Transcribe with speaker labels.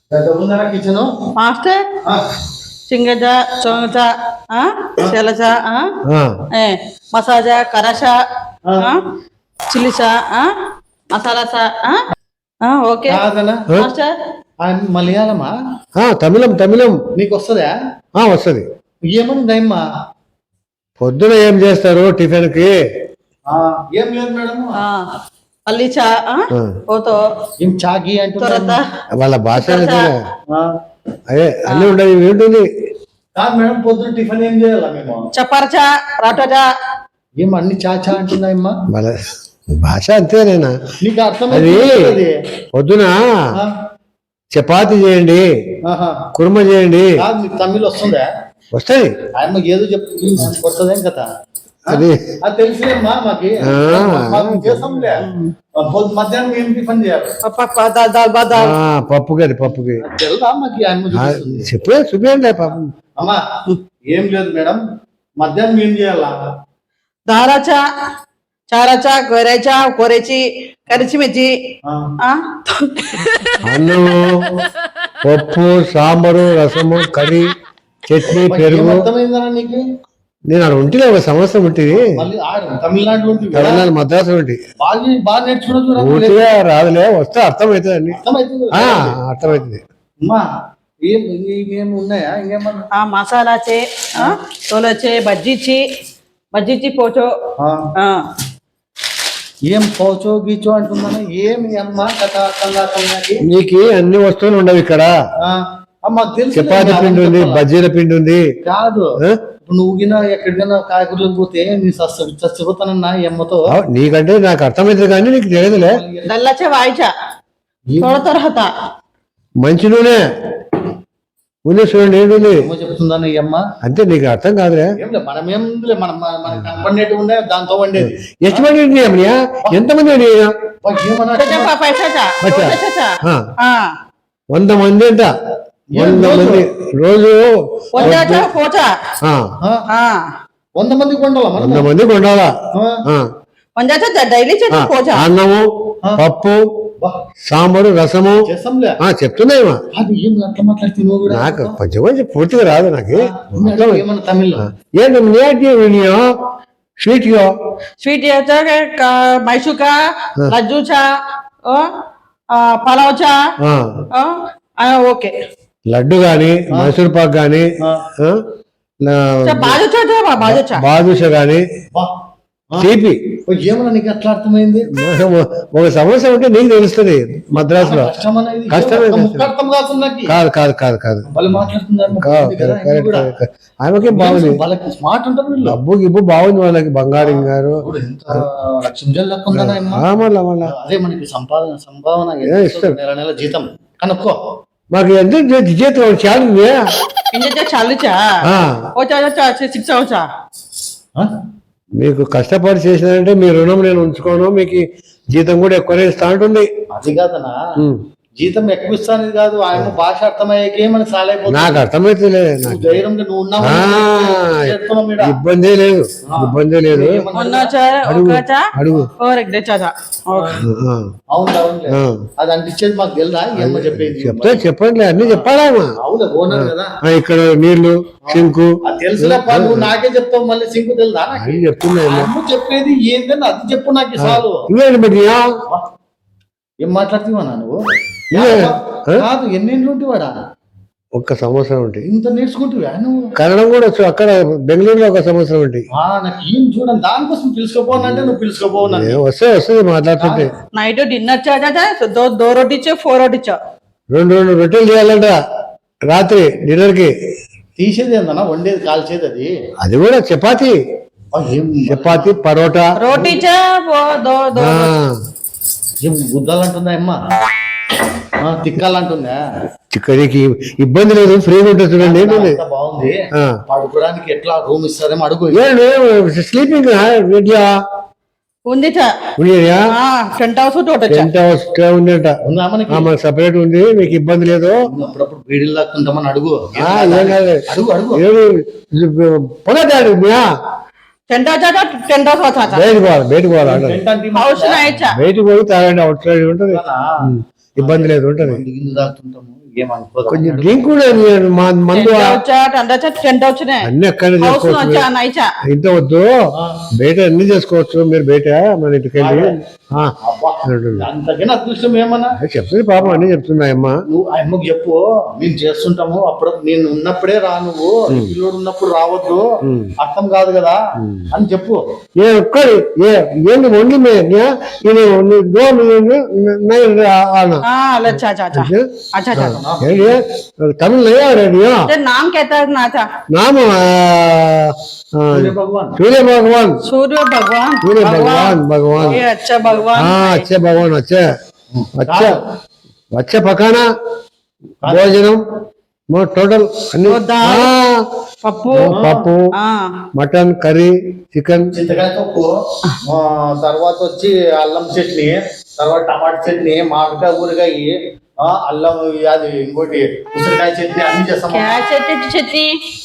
Speaker 1: kitchen
Speaker 2: master సింగజ చోంగచ సెలచ మసాజా కరచ చిల్లిచా మసాలాసా ఓకే మాస్టర్
Speaker 1: మలయాళమా
Speaker 3: తమిళం తమిళం
Speaker 1: నీకు వస్తుందా
Speaker 3: వస్తుంది
Speaker 1: ఏమన్నా
Speaker 3: పొద్దున ఏం చేస్తారు టిఫిన్ కి
Speaker 1: ఏం లేదు మేడం
Speaker 2: పల్లి చా పోతో
Speaker 1: ఏం చాకి అంటే
Speaker 3: వాళ్ళ భాష అదే అన్ని ఉండదు ఏంటుంది
Speaker 1: కాదు మేడం పొద్దున టిఫిన్ ఏం చేయాలా మేము
Speaker 2: చపరచా రాటోజా
Speaker 1: ఏం అన్ని చాచా అంటున్నాయమ్మా
Speaker 3: వాళ్ళ భాష అంతేనేనా
Speaker 1: నీకు అర్థం
Speaker 3: అది పొద్దున చపాతి చేయండి కుర్మ చేయండి
Speaker 1: మీకు తమిళ్ వస్తుందా
Speaker 3: వస్తాయి
Speaker 1: ఆయమ్మ ఏదో చెప్తుంది వస్తుందేం కదా
Speaker 3: అది
Speaker 1: అది తెలిసిలేమ్మా మాకి చేస్తాంలే మధ్యాహ్నం ఏం టిఫిన్ చేయాలి
Speaker 3: పప్పుకి పప్పుకి
Speaker 1: తెలుసా మాకి
Speaker 3: చెప్పే చూపించండి పాపం
Speaker 1: అమ్మా ఏం లేదు మేడం మధ్యాహ్నం ఏం చేయాలా
Speaker 2: దారాచా చారాచా కొరేచా కొరేచి కరిచిమిర్చి
Speaker 3: అన్నము పప్పు సాంబారు రసము కర్రీ చట్నీ పెరుగు
Speaker 1: నీకు
Speaker 3: నేను అక్కడ ఉంటుంది ఒక సంవత్సరం ఉంటుంది
Speaker 1: తమిళనాడు
Speaker 3: మద్రాసు ఉంటుంది
Speaker 1: బాగా నేర్చుకున్నా
Speaker 3: పూర్తిగా రాదులే వస్తే అర్థమవుతుంది అండి అర్థమవుతుంది
Speaker 1: ఉన్నాయా ఇంకేమన్నా
Speaker 2: మసాలా చే తోలొచ్చే బజ్జీచి పోచో
Speaker 1: ఏం పోచో గీచో అంటున్నాను ఏమి అమ్మా కథ
Speaker 3: నీకు అన్ని వస్తువులు ఉండవు ఇక్కడ చపాతి పిండి ఉంది బజ్జీల పిండి ఉంది
Speaker 1: కాదు నువ్వు గిన ఎక్కడికైనా కాయగూరలకు పోతే నీ చచ్చిపోతానన్నా ఈ అమ్మతో
Speaker 3: నీకంటే నాకు అర్థమైంది కానీ నీకు తెలియదులే
Speaker 2: దల్లచే వాయిచా తొరత
Speaker 3: మంచి నూనె ఉంది చూడండి ఏంటి
Speaker 1: చెప్తుందని ఈ అమ్మ
Speaker 3: అంతే నీకు అర్థం కాదులే
Speaker 1: మనం ఏం మనం కనపడినట్టు ఉండే దాంతో వండేది
Speaker 3: ಎಷ್ಟು మంది అమ్మయ్యా ఎంతమంది 100 మంది అంట 100 మంది రోజు
Speaker 1: 100 మందికి వండాలా
Speaker 3: 100 మందికి వండాలా అన్నము పప్పు సాంబారు రసము చెప్తున్నాయమ్మా నాకు కొంచెం కొంచెం పూర్తిగా రాదు నాకు ఏంటి స్వీట్
Speaker 2: స్వీట్ మైసూర్ కా లడ్డు చా పలావ్ చా ఓకే
Speaker 3: లడ్డు గాని మైసూర్ పాక్ గాని బాదుషా గాని తీపి
Speaker 1: ఏమన్నా నీకు అట్లా అర్థమైంది
Speaker 3: ఒక సమస్య ఉంటే నీకు తెలుస్తుంది మద్రాసులో కష్టమే కాదు కాదు కాదు కాదు ఆమెకి బాగుంది డబ్బు గిబ్బు బాగుంది వాళ్ళకి బంగారం గారు
Speaker 1: అదే మనకి సంపాదన నెల జీతం కనుక్కో
Speaker 3: మాకు ఎంత జీతం
Speaker 2: చాలుచా
Speaker 3: మీకు కష్టపడి చేసినారంటే మీ రుణం నేను ఉంచుకోను మీకు జీతం కూడా ఎక్కువనే ఇస్తా ఉంటుంది
Speaker 1: అది కాదనా జీతం ఎక్కువ ఇస్తాను కాదు ఆయన భాష అర్థమయ్యాకే మనకి సాలైపోతుంది
Speaker 3: నాకు అర్థమైతే ఇబ్బంది లేదు ఇబ్బంది లేదు అడుగు
Speaker 1: అది అంటించేది మాకు తెలుదా ఏమో చెప్పేది
Speaker 3: చెప్తే చెప్పండి అన్ని చెప్పాలా ఇక్కడ నీళ్లు సింకు
Speaker 1: తెలుసులే నువ్వు నాకే చెప్తావు మళ్ళీ సింకు తెలుదా
Speaker 3: చెప్తున్నా
Speaker 1: చెప్పేది ఏంటని అది చెప్పు నాకు చాలు ఏం మాట్లాడుతున్నావా నువ్వు కాదు ఎన్నేళ్ళు ఉంటేవాడా
Speaker 3: ఒక్క సంవత్సరం ఉంటాయి
Speaker 1: ఇంత నేర్చుకుంటువా నువ్వు
Speaker 3: కన్నడం కూడా వచ్చు అక్కడ బెంగళూరులో ఒక సంవత్సరం ఉంటాయి
Speaker 1: నాకు ఏం చూడండి దానికోసం పిలుచుకోపోనంటే నువ్వు పిలుచుకోపోనా
Speaker 3: వస్తుంది మాట్లాడుతుంటే
Speaker 2: నైట్ డిన్నర్ దో రోటీ 4 రోటీ
Speaker 3: 2 రొట్టెలు చేయాలంట రాత్రి డిన్నర్ కి
Speaker 1: తీసేది ఏందన్నా వండేది కాల్చేది
Speaker 3: అది కూడా చపాతి పరోటా
Speaker 2: రోటీ
Speaker 1: గుద్దాలు అంటుందా అమ్మ తిక్కాలంటుందా
Speaker 3: చిక్కడికి ఇబ్బంది లేదు ఫ్రీగా ఉంటుంది చూడండి
Speaker 1: బాగుంది పడుకోవడానికి ఎట్లా రూమ్ ఇస్తారేమో అడుగు
Speaker 3: స్లీపింగ్
Speaker 2: ఉంది
Speaker 3: సపరేట్ ఉంది మీకు ఇబ్బంది లేదు
Speaker 1: అప్పుడప్పుడు బీడీలు లాక్కుంటామని అడుగు
Speaker 3: పొగదాడు బయటకు పోయి తాగండి అవుట్ సైడ్ ఉంటుంది ఇబ్బంది లేదు ఉంటుంది
Speaker 1: ఏమనుకోదు
Speaker 3: కొంచెం డ్రింక్ కూడా మందు
Speaker 2: టెంట్ వచ్చినాయి
Speaker 3: అన్ని అక్కడ
Speaker 2: హౌస్
Speaker 3: చేసుకోవచ్చు
Speaker 2: వచ్చా నైచా
Speaker 3: ఇంత వద్దు బయట అన్ని చేసుకోవచ్చు మీరు బయట మన ఇంటికి వెళ్ళి
Speaker 1: అంతకైనా అదృష్టం ఏమన్నా
Speaker 3: చెప్తుంది పాపం అన్ని చెప్తున్నాయమ్మ
Speaker 1: నువ్వు ఆయమ్మకు చెప్పు మేము చేస్తుంటాము అప్పుడు నేను ఉన్నప్పుడే రా నువ్వు పిల్లోడు ఉన్నప్పుడు రావద్దు అర్థం కాదు కదా అని చెప్పు
Speaker 3: ఏ ఒక్కడి ఏంటి వండి తమిళ रेडियो
Speaker 2: नाम कहता है नाचा
Speaker 3: नाम
Speaker 1: सूर्य भगवान
Speaker 3: सूर्य भगवान
Speaker 2: सूर्य भगवान
Speaker 3: सूर्य भगवान भगवान
Speaker 2: ये अच्छा भगवान
Speaker 3: हाँ अच्छे भगवान अच्छे अच्छा अच्छे पकाना भोजनम टोटल
Speaker 2: పప్పు
Speaker 3: పప్పు మటన్ కర్రీ చికెన్
Speaker 1: చింతకాయ తొక్కు తర్వాత వచ్చి అల్లం చట్నీ తర్వాత టమాటా చట్నీ మామిడికాయ ఊరగాయ అల్లం అది ఇంకోటి ఉసిరికాయ చట్నీ అన్ని చేస్తాం
Speaker 2: చట్నీ